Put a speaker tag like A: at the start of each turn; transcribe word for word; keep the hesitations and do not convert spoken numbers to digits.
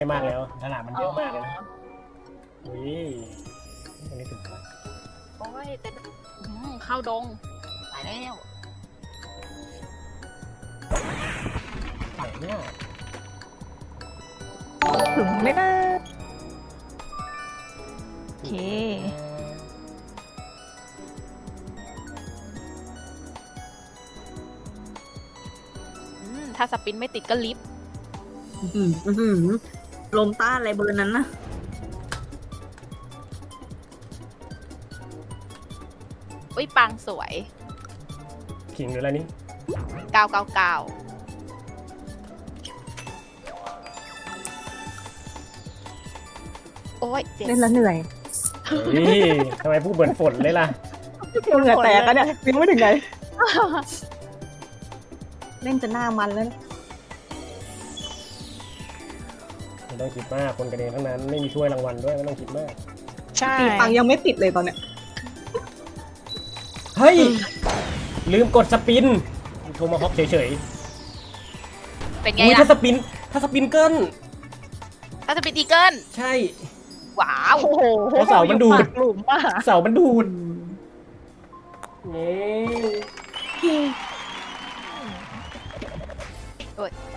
A: มากแล้วตลาดมันเยอะมากเลยนะอุ้ยตรงนี้ถึงแล้ว
B: โอ้ยแต่อืมเข้าดงตายแล้ว
A: ฝั่งเนี่ย
C: ถึงไหมนะโอเค
B: อืมถ้าสปินไม่ติดก็ลิฟต์
C: อื้อหืออื้อหือลมต้านอะไรเบอร์นั้นนะ
B: อุ้ยปังสวย
A: ขิงหรืออะไรนี่
B: เก้าเก้าเก้าโอ้ยเจ็บ
C: เล่นแล้วเหนื่อย
A: เฮ้ยทำไมพูดเหมือนฝนเลยล่ะ
C: เหนื่อยแตกกันเนี่ยยังไม่ถึงไหน เล่นจะหน้ามันแล้วนะ
A: ไม่ต้องคิดมากคนกันเองทั้งนั้นไม่มีถ้วยรางวัลด้วยไม่ต้องคิดมาก
B: ใช่
C: ตีปังยังไม่ติดเลยตอนเนี้ย
A: เฮ้ยลืมกดสปินโทรมาฮอกเฉย
B: เป็น
A: ๆ
B: ไง
A: อุ้ย
B: ล่ะ
A: ถ้าสปินถ้าสปินเกิล
B: ถ้าสปินอีเกิล
A: ใช่
B: ว้าว
C: โอ้โห
A: เพราะเสามันดูด
C: ปากหลุมป่ะ
A: เสามันดูดนี่
B: โอ้ย